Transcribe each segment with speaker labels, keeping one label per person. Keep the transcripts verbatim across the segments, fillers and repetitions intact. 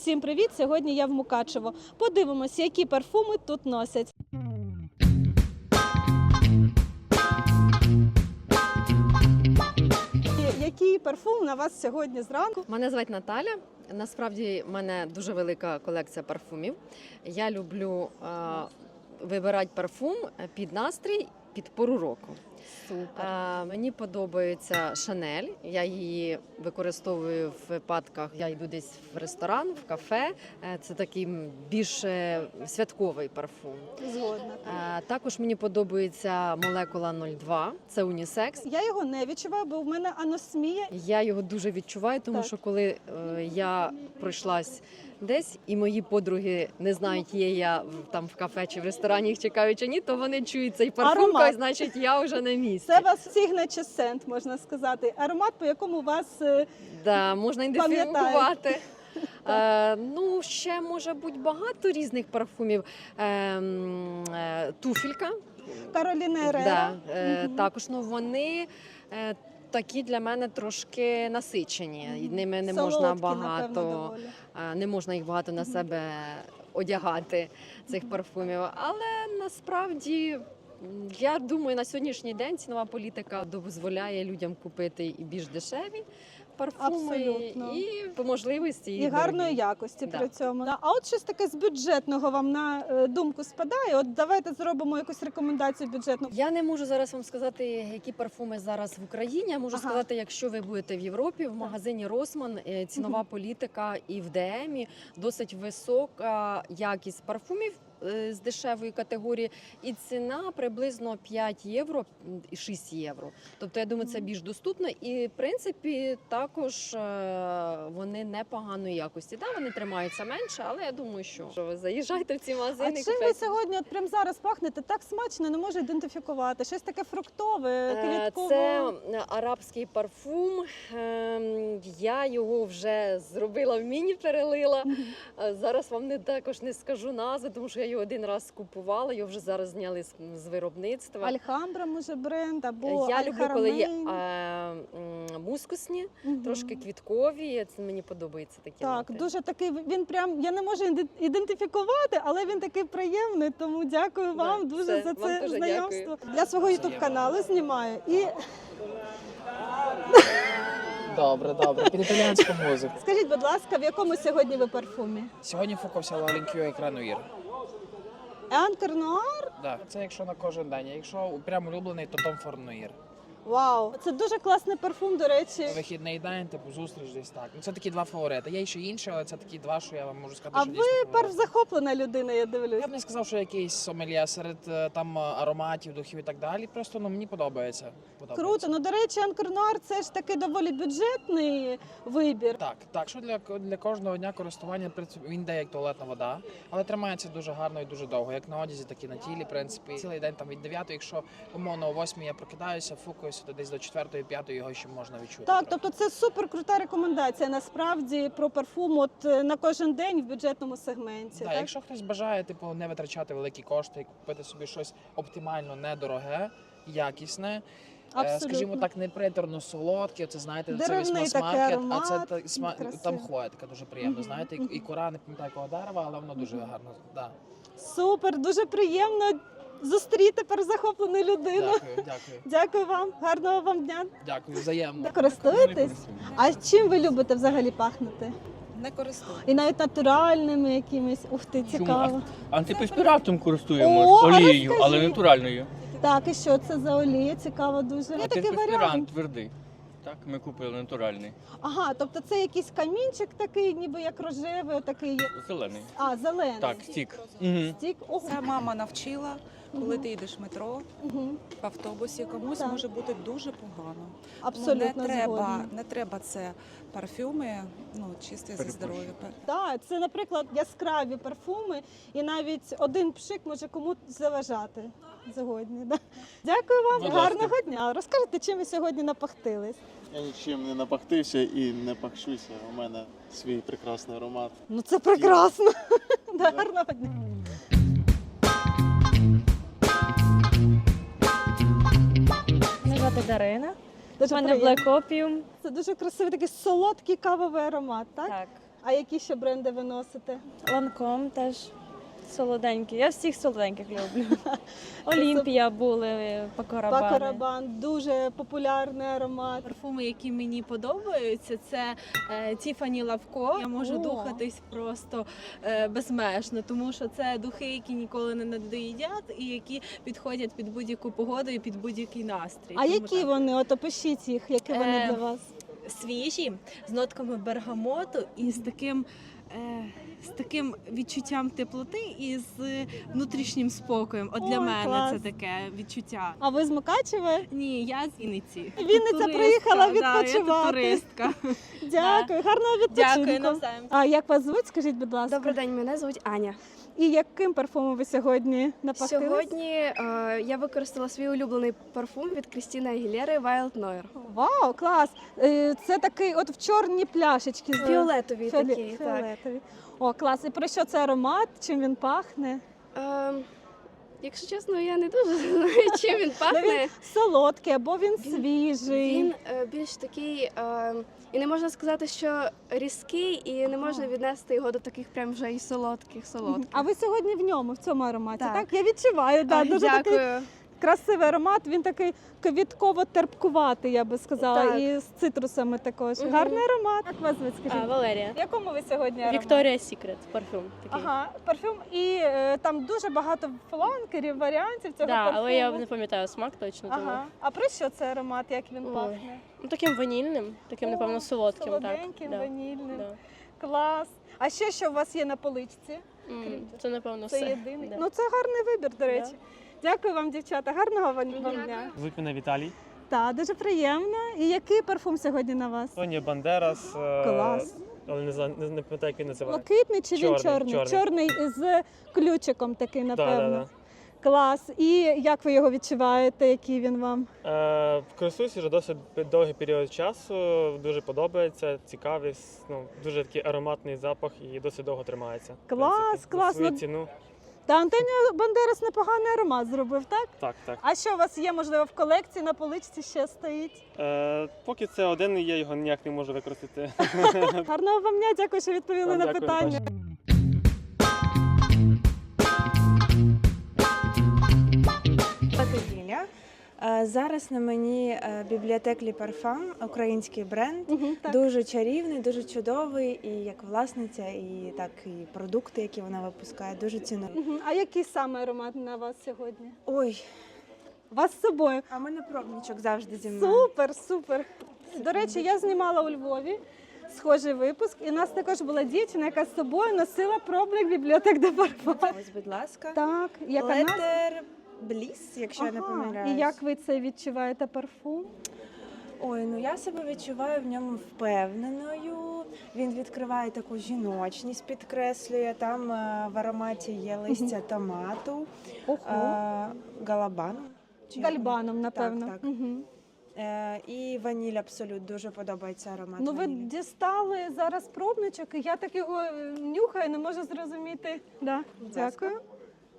Speaker 1: Всім привіт! Сьогодні я в Мукачево. Подивимось, які парфуми тут носять. Який парфум на вас сьогодні зранку?
Speaker 2: Мене звати Наталя. Насправді в мене дуже велика колекція парфумів. Я люблю е, вибирати парфум під настрій, під пору року.
Speaker 1: Супер.
Speaker 2: Е, мені подобається Шанель. Я її використовую в випадках. Я йду десь в ресторан, в кафе. Е, це такий більш е, святковий парфум.
Speaker 1: Згодна.
Speaker 2: Е, також мені подобається молекула нуль два. Це унісекс.
Speaker 1: Я його не відчуваю, бо в мене аносмія.
Speaker 2: Я його дуже відчуваю, тому
Speaker 1: Так.
Speaker 2: що коли е, я пройшлась десь, і мої подруги не знають, є я в- там в кафе чи в ресторані, їх чекаю чи ні, то вони чують цей парфум,
Speaker 1: Аромат.
Speaker 2: кажуть, значить я вже на місці.
Speaker 1: Це вас signature scent, можна сказати. Аромат, по якому вас е,
Speaker 2: Да, можна
Speaker 1: Пам'ятають.
Speaker 2: ідентифікувати. Е, ну, ще може бути багато різних парфумів. Е, м, е, туфелька.
Speaker 1: Кароліна
Speaker 2: Да,
Speaker 1: Ерера.
Speaker 2: е,
Speaker 1: Мгм.
Speaker 2: Також ну, вони е, такі для мене трошки насичені. І ними не можна
Speaker 1: Солодкі,
Speaker 2: багато.
Speaker 1: напевно, доволі.
Speaker 2: А, Не можна їх багато на себе одягати, цих парфумів. Але насправді, м, я думаю, на сьогоднішній день цінова політика дозволяє людям купити і більш дешеві парфуми,
Speaker 1: Абсолютно.
Speaker 2: і по можливості
Speaker 1: І
Speaker 2: і
Speaker 1: гарної
Speaker 2: дорогі.
Speaker 1: якості
Speaker 2: Да.
Speaker 1: при цьому. Да. А от щось таке з бюджетного вам на е, думку спадає? От давайте зробимо якусь рекомендацію бюджетну.
Speaker 2: Я не можу зараз вам сказати, які парфуми зараз в Україні. Я можу
Speaker 1: Ага.
Speaker 2: сказати, якщо ви будете в Європі, в магазині Росман е, цінова політика і в ДМі досить висока якість парфумів е, з дешевої категорії, і ціна приблизно п'ять євро і шість євро. Тобто, я думаю, це більш доступно. І в принципі також е, вони непоганої якості. Да, вони тримаються менше, але я думаю, що що ви заїжджайте в ці
Speaker 1: А
Speaker 2: магазини.
Speaker 1: чим ви
Speaker 2: купляйте.
Speaker 1: сьогодні, от прямо зараз пахнете так смачно, не можу ідентифікувати. Щось таке фруктове,
Speaker 2: Е,
Speaker 1: квіткове.
Speaker 2: Це арабський парфум. Ем, Я його вже зробила в міні, перелила. Е, Зараз вам не також не скажу назви, тому що я його один раз купувала. Його вже зараз зняли з, з виробництва.
Speaker 1: Альхамбра, може, бренд, або
Speaker 2: Я люблю, коли є
Speaker 1: Аль-Харамейн.
Speaker 2: е, м, мускусні,
Speaker 1: Мгм.
Speaker 2: трошки квіткові. Це мені подобається такі.
Speaker 1: Так,
Speaker 2: ноти.
Speaker 1: дуже такий, він прям, я не можу іде- ідентифікувати, але він такий приємний, тому дякую
Speaker 2: Да,
Speaker 1: вам дуже
Speaker 2: все,
Speaker 1: за
Speaker 2: вам
Speaker 1: це
Speaker 2: дуже
Speaker 1: знайомство. Для свого ютуб-каналу знімаю. І
Speaker 3: Добре, добре. Під італіянську музику.
Speaker 1: скажіть, будь ласка, в якому сьогодні ви парфумі?
Speaker 3: Сьогодні фокусся Лалінкю і Крануїр.
Speaker 1: Анкер Нуар?
Speaker 3: Да. Це якщо на кожен день. А якщо прям улюблений, то Том Форд Нуїр.
Speaker 1: Вау, це дуже класний парфум, до речі.
Speaker 3: Вихідний день, типу зустріч десь так. Ну це такі два фаворити. Є ще інші, але це такі два, що я вам можу сказати,
Speaker 1: А
Speaker 3: що
Speaker 1: ви
Speaker 3: дійсно фаворити.
Speaker 1: першзахоплена людина, я дивлюсь.
Speaker 3: Я б не сказав, що якийсь сомельє серед е, там е, ароматів, духів і так далі. Просто ну мені подобається. подобається.
Speaker 1: Круто. Ну, до речі, Анкер Нуар це ж таки доволі бюджетний вибір.
Speaker 3: Так, так, що для, для кожного дня користування в принципі, він йде як туалетна вода, але тримається дуже гарно і дуже довго, як на одязі, так і на тілі. В принципі, цілий день там від дев'ятої, якщо умовно о восьмій я прокидаюся, фукуюся, то десь до четвертої, п'ятої його ще можна відчути.
Speaker 1: Так,
Speaker 3: трохи.
Speaker 1: тобто це супер крута рекомендація насправді про парфум от е, на кожен день в бюджетному сегменті.
Speaker 3: Да,
Speaker 1: так?
Speaker 3: якщо хтось бажає типу, не витрачати великі кошти і купити собі щось оптимально недороге, якісне. е,
Speaker 1: Абсолютно.
Speaker 3: Скажімо так, не приторно солодке, це знаєте, це
Speaker 1: Деревний
Speaker 3: вісьма
Speaker 1: такий
Speaker 3: смаркет, а
Speaker 1: аромат,
Speaker 3: це та, сма-
Speaker 1: красивий.
Speaker 3: там хвоя така дуже приємна,
Speaker 1: Мгм,
Speaker 3: знаєте, і,
Speaker 1: мгм.
Speaker 3: і кора, не пам'ятаю якого дерева, але воно дуже гарно. Да.
Speaker 1: Супер, дуже приємно зустріти перезахоплену людину.
Speaker 3: Дякую, дякую.
Speaker 1: Дякую вам, гарного вам дня.
Speaker 3: Дякую, взаємно.
Speaker 1: Користуєтесь? А чим ви любите взагалі пахнути?
Speaker 4: Не користуюсь.
Speaker 1: І навіть натуральними якимись. Ух ти, цікаво.
Speaker 5: Антиперспірантом користуємось,
Speaker 1: О, а
Speaker 5: олією,
Speaker 1: розкажіть.
Speaker 5: але натуральною.
Speaker 1: Так, і що це за олія? Цікаво дуже. Є такий
Speaker 5: Антиперспірант
Speaker 1: варіант.
Speaker 5: твердий. Так, ми купили натуральний,
Speaker 1: Ага, тобто це якийсь камінчик такий, ніби як рожевий, такий.
Speaker 5: зелений.
Speaker 1: А, зелений.
Speaker 5: Так, стік. Угу.
Speaker 1: Стік. Ого.
Speaker 4: Це мама навчила, коли
Speaker 1: Мгм.
Speaker 4: ти йдеш в метро,
Speaker 1: Мгм.
Speaker 4: в автобусі, комусь
Speaker 1: Так.
Speaker 4: може бути дуже погано.
Speaker 1: Абсолютно
Speaker 4: ну, не треба,
Speaker 1: згодна.
Speaker 4: не треба це парфюми, ну чисті за
Speaker 5: Перепрошую.
Speaker 4: здоров'я.
Speaker 1: Так, це, наприклад, яскраві парфуми, і навіть один пшик може комусь заважати. Згодні. Да? Дякую вам,
Speaker 5: Будь ласка.
Speaker 1: гарного дня. Розкажете, чим ви сьогодні напахтились?
Speaker 6: Я нічим не напахтився і не пахшуся. У мене свій прекрасний аромат.
Speaker 1: Ну це прекрасно. Да, гарного дня.
Speaker 7: Мене звати Дарина.
Speaker 1: Дуже
Speaker 7: У мене
Speaker 1: приємно.
Speaker 7: Black Opium.
Speaker 1: Це дуже красивий такий солодкий кавовий аромат, так?
Speaker 7: Так.
Speaker 1: А які ще бренди ви носите?
Speaker 7: Ланком теж солоденький. Я всіх солоденьких люблю. Олімпія були, Пакорабани.
Speaker 1: Пакорабан, дуже популярний аромат.
Speaker 8: Парфуми, які мені подобаються, це е, Тіфані Лавко. Я можу
Speaker 1: О.
Speaker 8: духатись просто е, безмежно, тому що це духи, які ніколи не надоїдять і які підходять під будь-яку погоду і під будь-який настрій.
Speaker 1: А
Speaker 8: Тому
Speaker 1: які
Speaker 8: так.
Speaker 1: вони? От опишіть їх, які вони
Speaker 8: Е,
Speaker 1: для вас?
Speaker 8: Свіжі, з нотками бергамоту і з таким. Е, з таким відчуттям теплоти і з внутрішнім спокоєм. От для
Speaker 1: Ой,
Speaker 8: мене
Speaker 1: клас.
Speaker 8: це таке відчуття.
Speaker 1: А ви з Мукачева?
Speaker 8: Ні, я з Вінниці.
Speaker 1: Вінниця
Speaker 8: Туристка,
Speaker 1: приїхала
Speaker 8: да, я тут
Speaker 1: відпочивати.
Speaker 8: туристка.
Speaker 1: Дякую, гарного відпочинку.
Speaker 8: Дякую навзаєм.
Speaker 1: А як вас звуть, скажіть, будь ласка?
Speaker 9: Добрий день, мене звуть Аня.
Speaker 1: І яким парфумом ви сьогодні напахтились?
Speaker 9: Сьогодні е, я використала свій улюблений парфум від Крістіни Агілєри Wild Noir.
Speaker 1: Вау, клас! Е, Це такий от в чорній пляшечці. з-
Speaker 9: Фіолетовий
Speaker 1: фіоле-
Speaker 9: такий, так.
Speaker 1: фіолетовий. О, клас. І про що це аромат? Чим він пахне?
Speaker 9: Е, якщо чесно, я не дуже знаю, чим він
Speaker 1: Ну,
Speaker 9: пахне.
Speaker 1: він солодкий або він,
Speaker 9: Він-
Speaker 1: свіжий.
Speaker 9: Він е, більш такий, е, і не можна сказати, що різкий, і не можна віднести його до таких прям вже і солодких солодких.
Speaker 1: А ви сьогодні в ньому, в цьому ароматі, так?
Speaker 9: Так.
Speaker 1: Я відчуваю, да,
Speaker 9: Ой,
Speaker 1: дуже такий
Speaker 9: дякую.
Speaker 1: красивий аромат. Він такий квітково-терпкуватий, я би сказала,
Speaker 9: Так.
Speaker 1: і з цитрусами також.
Speaker 9: Мгм.
Speaker 1: Гарний аромат. Як вас звуть, скажіть?
Speaker 7: А, Валерія.
Speaker 1: В якому ви сьогодні ароматі?
Speaker 7: Вікторія Сікрет, парфюм такий.
Speaker 1: Ага, парфюм. І е, там дуже багато фланкерів, варіантів цього
Speaker 7: Да,
Speaker 1: парфуму.
Speaker 7: але я не пам'ятаю смак точно. Тому.
Speaker 1: Ага. А про що це аромат, як він
Speaker 7: Ой,
Speaker 1: пахне?
Speaker 7: Ну, таким ванільним, таким,
Speaker 1: О,
Speaker 7: напевно, солодким.
Speaker 1: солоденьким,
Speaker 7: так.
Speaker 1: ванільним.
Speaker 7: Да.
Speaker 1: Клас. А ще що у вас є на поличці?
Speaker 7: М, Це, напевно,
Speaker 1: Це
Speaker 7: все.
Speaker 1: єдиний.
Speaker 7: Да.
Speaker 1: Ну це гарний вибір, до речі. Дякую вам, дівчата. Гарного вам вам дня.
Speaker 10: Звуть мене Віталій.
Speaker 1: Так, дуже приємно. І який парфум сьогодні на вас?
Speaker 10: Тоні Бандерас. е,
Speaker 1: Клас.
Speaker 10: Але не знаю, не, не пам'ятаю, як він називає.
Speaker 1: Блакитний чи він
Speaker 10: Чорний,
Speaker 1: чорний?
Speaker 10: чорний.
Speaker 1: Чорний з ключиком такий,
Speaker 10: Да,
Speaker 1: напевно.
Speaker 10: да,
Speaker 1: Клас. І як ви його відчуваєте? Який він вам?
Speaker 10: да. Е, користуюсь вже досить довгий період часу. Дуже подобається, цікавий, с- ну, дуже такий ароматний запах і досить довго тримається. в
Speaker 1: Клас,
Speaker 10: принципі. За
Speaker 1: клас.
Speaker 10: свою
Speaker 1: Ну,
Speaker 10: ціну.
Speaker 1: Та Антоніо Бандерас непоганий аромат зробив, так?
Speaker 10: Так, так.
Speaker 1: А що у вас є, можливо, в колекції на поличці ще стоїть?
Speaker 10: Е, поки це один, я його ніяк не можу використати.
Speaker 1: Гарного вам дня, дякую, що відповіли
Speaker 10: Вам
Speaker 1: на
Speaker 10: дякую,
Speaker 1: питання.
Speaker 11: Звати Ліля. Е, Зараз на мені е, бібліотек Лі Парфам, український бренд.
Speaker 1: Мгм, так.
Speaker 11: Дуже чарівний, дуже чудовий, і як власниця, і так і продукти, які вона випускає, дуже ціную.
Speaker 1: Мгм. А який саме аромат на вас сьогодні?
Speaker 11: Ой,
Speaker 1: У вас з собою.
Speaker 11: а в мене пробничок завжди зі мною.
Speaker 1: Супер, супер. До речі, я знімала у Львові схожий випуск, і у нас також була дівчина, яка з собою носила пробник бібліотек де Парфам.
Speaker 11: Ось, будь ласка.
Speaker 1: Так, яка назва?
Speaker 11: Летер Бліс, якщо я не
Speaker 1: Ага.
Speaker 11: помиляюсь.
Speaker 1: І як ви це відчуваєте парфум?
Speaker 11: Ой, ну я себе відчуваю в ньому впевненою. Він відкриває таку жіночність, підкреслює. Там е, в ароматі є листя томату,
Speaker 1: Ого.
Speaker 11: е, галабану. чи як
Speaker 1: Гальбаном, напевно.
Speaker 11: так.
Speaker 1: Мгм.
Speaker 11: Е, і ваніль абсолют дуже подобається аромат.
Speaker 1: Ну, ви
Speaker 11: ванілі.
Speaker 1: дістали зараз пробничок, і я так його е, нюхаю, не можу зрозуміти. Да.
Speaker 11: Будь ласка.
Speaker 1: Дякую.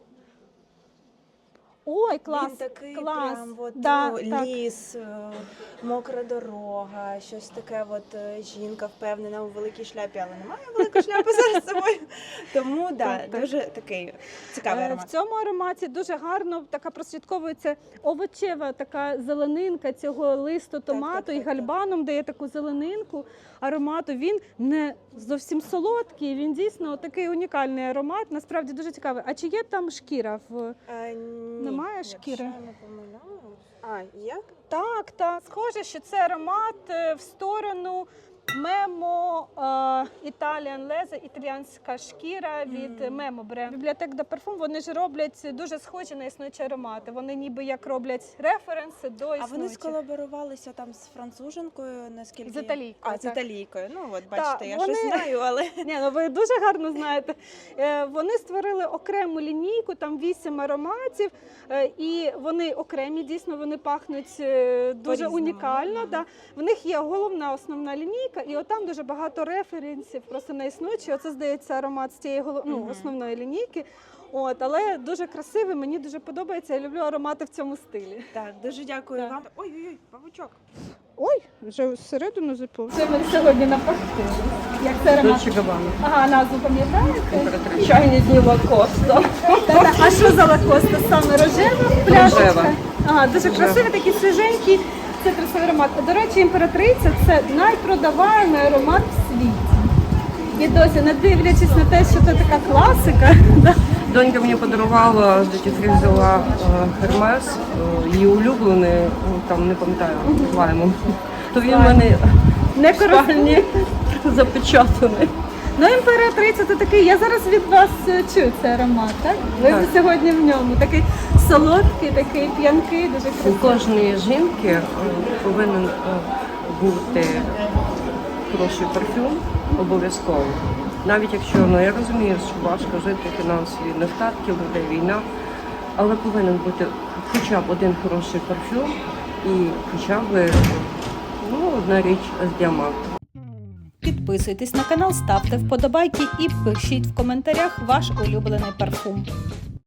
Speaker 1: Ой, клас,
Speaker 11: Він такий
Speaker 1: клас.
Speaker 11: прям от,
Speaker 1: Да,
Speaker 11: ну,
Speaker 1: так.
Speaker 11: ліс, е, мокра дорога, щось таке. От е, жінка впевнена у великій шляпі, але немає великої шляпи зараз з собою. Тому да,
Speaker 1: Так, так.
Speaker 11: дуже такий цікавий
Speaker 1: Е, В
Speaker 11: аромат.
Speaker 1: цьому ароматі дуже гарно така прослідковується овочева така зеленинка цього листу томату
Speaker 11: так,
Speaker 1: і
Speaker 11: так, так.
Speaker 1: гальбаном дає таку зеленинку аромату. Він не зовсім солодкий, він дійсно такий унікальний аромат. Насправді дуже цікавий. А чи є там шкіра в
Speaker 11: Е, ні,
Speaker 1: Немає
Speaker 11: якщо
Speaker 1: шкіри?
Speaker 11: я не помиляюсь. А, як?
Speaker 1: Так, так. Схоже, що це аромат е, в сторону Мемо Italian Leather, італіянська шкіра від
Speaker 11: Мгм.
Speaker 1: Мемо бренд. Бібліотек де Парфум, вони ж роблять дуже схожі на існуючі аромати. Вони ніби як роблять референси до
Speaker 11: А вони
Speaker 1: існуючих.
Speaker 11: сколаборувалися там з француженкою, наскільки...
Speaker 1: З італійкою,
Speaker 11: А, з
Speaker 1: так.
Speaker 11: італійкою. Ну, от, бачите, я
Speaker 1: вони-
Speaker 11: щось знаю, але...
Speaker 1: Ні, ну ви дуже гарно знаєте. Е, Вони створили окрему лінійку, там вісім ароматів, е, і вони окремі, дійсно, вони пахнуть е, дуже
Speaker 11: По-різному,
Speaker 1: унікально.
Speaker 11: мгм.
Speaker 1: Да. В них є головна основна лінійка, солодка, і отам дуже багато референсів, просто не існуючі. Оце, здається, аромат з цієї голов... ну,
Speaker 8: Мгм.
Speaker 1: основної лінійки. От, але дуже красивий, мені дуже подобається. Я люблю аромати в цьому стилі.
Speaker 11: Так, дуже дякую
Speaker 1: Так.
Speaker 11: вам. Ой-ой-ой, павучок.
Speaker 1: Ой, вже всередину запав. Це ми сьогодні напахтили. Як це аромат? Ага, назву пам'ятаєте?
Speaker 2: Чайні дні Лакоста.
Speaker 1: Та-та. А що за лакоста? Саме рожева пляшечка? Ага, дуже красивий, такий свіженький. Це красивий аромат. До речі, імператриця – це найпродаваємий аромат в світі. І досі, не дивлячись на те, що це така класика, да,
Speaker 2: Донька мені подарувала, з дитинства взяла Хермес, її улюблений, там не пам'ятаю, лаймом. То він в мене
Speaker 1: не користується.
Speaker 2: запечатаний.
Speaker 1: Ну, імператриця – це такий, я зараз від вас е, чую цей аромат, так? Ви
Speaker 2: Так.
Speaker 1: сьогодні в ньому. Такий солодкий, такий п'янкий, дуже
Speaker 2: У
Speaker 1: красивий.
Speaker 2: кожної жінки е, повинен е, бути хороший парфюм, обов'язково. Навіть якщо, ну я розумію, що важко жити, фінансові нестатки, людей війна, але повинен бути хоча б один хороший парфюм і хоча б ну, одна річ з діамантом.
Speaker 1: Підписуйтесь на канал, ставте вподобайки і пишіть в коментарях ваш улюблений парфум.